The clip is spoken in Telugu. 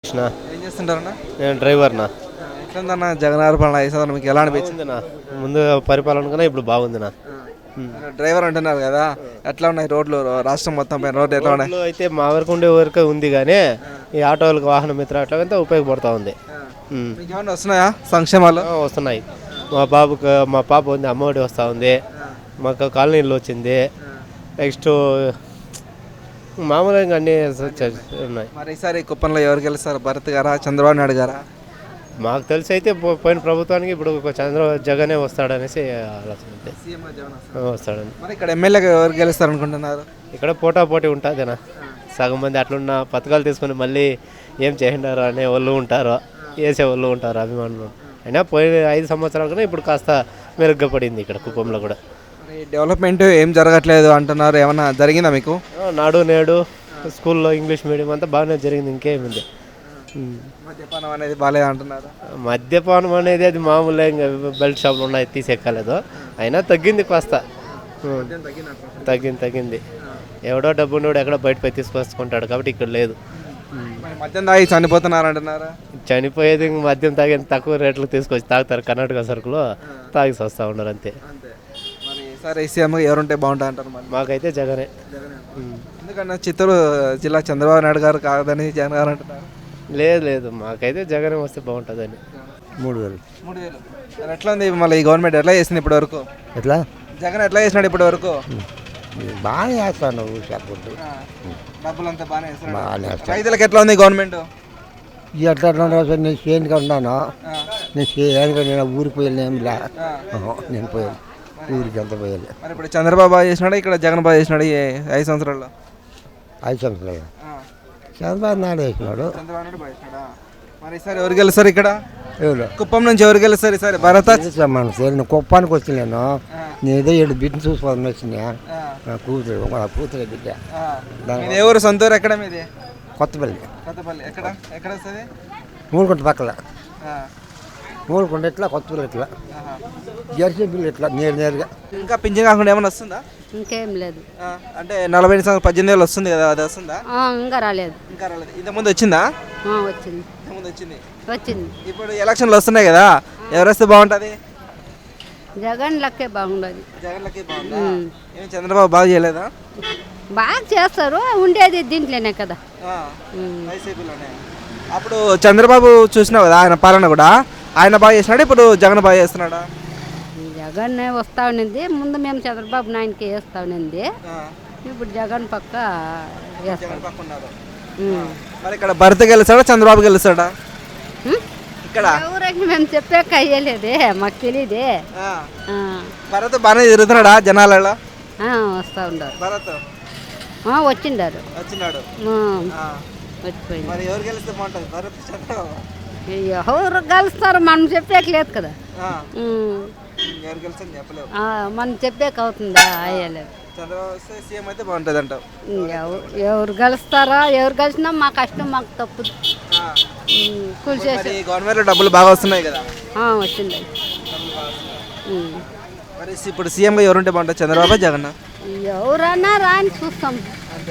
కృష్ణ ఏం చేస్తుంటారన్నా? నేను డ్రైవర్నా. ఎట్లుందన్న జగన్ గారి పాలన 5 సంవత్సరాలు మీకు ఎలా అనిపించింది? బాగుందినా, ముందు పరిపాలన కన్నా ఇప్పుడు బాగుందినా. డ్రైవర్ అంటున్నారు కదా, ఎట్లా ఉన్నాయి రోడ్లు? రాష్ట్రం మొత్తం పైన రోడ్లు ఎట్లా ఉన్నాయి? రోడ్లు అయితే మా వరకు ఉండే వరకే ఉంది, కానీ ఈ ఆటోలకు వాహన మిత్ర అట్లా ఉపయోగపడుతూ ఉంది. మీకు ఏమన్నా వస్తున్నాయా సంక్షేమాలు? వస్తున్నాయి. మా పాప ఉంది, అమ్మఒడి వస్తూ ఉంది. మాకు కాలనీలో వచ్చింది. నెక్స్ట్ మామూలుగా అన్నీ ఉన్నాయి. మరి ఈసారి కుప్పంలో ఎవరు గెలుస్తారు? భరత్ గారా, చంద్రబాబు నాయుడు గారా? మాకు తెలిసి అయితే పోయిన ప్రభుత్వానికి ఇప్పుడు జగనే వస్తాడనేసి ఆలోచన ఉంది. వస్తాడని. మరి ఇక్కడ ఎమ్మెల్యేగా ఎవరు గెలుస్తారు అనుకుంటున్నారు? ఇక్కడ పోటీ ఉంటుందేనా, సగం మంది అట్లున్న పథకాలు తీసుకుని మళ్ళీ ఏం చేయండారు అనే వాళ్ళు ఉంటారు, వేసే వాళ్ళు ఉంటారు, అభిమానులు. అయినా పోయిన 5 సంవత్సరాల కన్నా ఇప్పుడు కాస్త మెరుగ్గా పడింది ఇక్కడ కుప్పంలో కూడా. డెవలప్మెంట్ ఏం జరగట్లేదు అంటున్నారు, ఏమన్నా జరిగిందా మీకు? నాడు నేడు స్కూల్లో ఇంగ్లీష్ మీడియం అంతా బాగానే జరిగింది, ఇంకేముంది. మద్యపానం అనేది బాగాలేదు అంటున్నారు. మద్యపానం అనేది అది మామూలుగా ఇంకా బెల్ట్ షాపులు ఉన్నాయి, తీసేక్కలేదు. అయినా తగ్గింది కాస్త, తగ్గింది. ఎవడో డబ్బు ఉన్నాడు ఎక్కడో బయటపై తీసుకొచ్చుకుంటాడు, కాబట్టి ఇక్కడ లేదు. మద్యం తాగి చనిపోతున్నారు అంటున్నారా? చనిపోయేది మద్యం తాగి తక్కువ రేట్లకు తీసుకొచ్చి తాగుతారు, కర్ణాటక సరుకులు తాగి వస్తూ ఉన్నారు అంతే. మరి ఈసారి సీఎం ఎవరుంటే బాగుంటుంది అంటారు? మాకైతే జగనే. ఎందుకన్నా చిత్తూరు జిల్లా చంద్రబాబు నాయుడు గారు కాదని జగన్ గారు అంటున్నారు? లేదు, మాకైతే జగనే వస్తే బాగుంటుందని. 3,000 ఎట్లా ఉంది మళ్ళీ ఈ గవర్నమెంట్ ఎట్లా చేసింది ఇప్పటి వరకు? ఎట్లా జగన్ ఎట్లా చేసినాడు ఇప్పటి వరకు? బాగానే వేస్తాను చెప్పొద్దు. డబ్బులంతా బాగానే చేస్తున్నాడు. బాగానే వేస్తాను. రైతులకు ఎట్లా ఉంది గవర్నమెంట్? ఎట్లా నేను చేయనుగా ఉన్నాను. నేను చేయనుగా నేను ఊరికి పోయాను, ఏమి లే. నేను పోయాను ఊరికి, అంత పోయాలి. మరి ఇప్పుడు చంద్రబాబు బాగా చేసినాడు, ఇక్కడ జగన్ బాగా చేసినాడు ఈ 5 సంవత్సరాల్లో? 5 సంవత్సరాలు చంద్రబాబు నాయుడు వేసినాడు. చంద్రబాబు నాయుడు బాగా చేసినాడా? మరి ఈసారి ఎవరు గెలుస్తారు ఇక్కడ? ఎవరు కుప్పం నుంచి ఎవరు గెలుస్తారు ఈసారి? భరత? నేను కుప్పానికి వచ్చి నేను ఏదో 7 బిడ్డను చూసుకోవాలని వచ్చినా. కూతురు బిడ్డ. ఏ ఊరు? సొంత ఊరు ఎక్కడ మీది? కొత్తపల్లి. ఎక్కడ వస్తుంది? మూడుకుంట పక్కల. మూడుకుంట ఎట్లా, కొత్తపల్లి ఎట్లా, జెర్సీ బిల్లు ఎట్లా, నేరుగా. ఇంకా పింఛన్ కాకుండా ఏమైనా వస్తుందా? ఇంకేం లేదు. అంటే 40 సంవత్సరాలు 18 ఏళ్ళు వస్తుంది కదా, అది వస్తుందా? ఇంకా రాలేదు. ఇంతకుముందు వచ్చిందా? వచ్చింది. ఇప్పుడు ఎలక్షన్లు వస్తున్నాయి కదా, ఎవరు వస్తే బాగుంటుంది? జగన్ లక్కే బాగుండదు. జగన్ లక్కే బాగుందా? ఏం చంద్రబాబు బాగా చేయలేదా? బాగా చేస్తారు, ఉండేది దీంట్లోనే కదా. వైసీపీలోనే. అప్పుడు చంద్రబాబు చూసినావు కదా ఆయన పాలన కూడా, ఆయన బాగా చేసినాడు, ఇప్పుడు జగన్ బాగా చేస్తున్నాడా? జగన్ వస్తా ఉన్నింది, ముందు మేము చంద్రబాబు నాయుడికి వేస్తా ఉన్నింది, ఇప్పుడు జగన్ పక్క మరి ఇక్కడ భరత్ గెలుస్తాడా, చంద్రబాబు గెలుస్తాడా? ఇక్కడ ఎవరికి మేము చెప్పాక అయ్యలేదే, మాకు తెలియదే. భరత్ బాగానే తిరుగుతున్నాడా జనాలలో? వస్తా ఉన్నారు. భరత్ వచ్చిండారు. వచ్చిపోయింది. మరి ఎవరు గెలిస్తే బాగుంటుంది? భరత్, చంద్రబాబు? ఎవరు గెలుస్తారు మనం చెప్పాక లేదు కదా. ఎవరు గెలుస్తారని చెప్పలేవు, మనం చెప్పాక అవుతుందా? అయ్యలేదు. చంద్రబాబు వస్తే సీఎం అయితే బాగుంటుంది అంటావు? ఎవరు గెలుస్తారా? ఎవరు గెలిచినా మా కష్టం మాకు తప్పు. కూల్చేసి గవర్నమెంట్ డబ్బులు బాగా వస్తున్నాయి కదా? వచ్చింది. మరి ఇప్పుడు సీఎంగా ఎవరుంటే బాగుంటుంది? చంద్రబాబు, జగన్? ఎవరన్నా రాని చూస్తాం.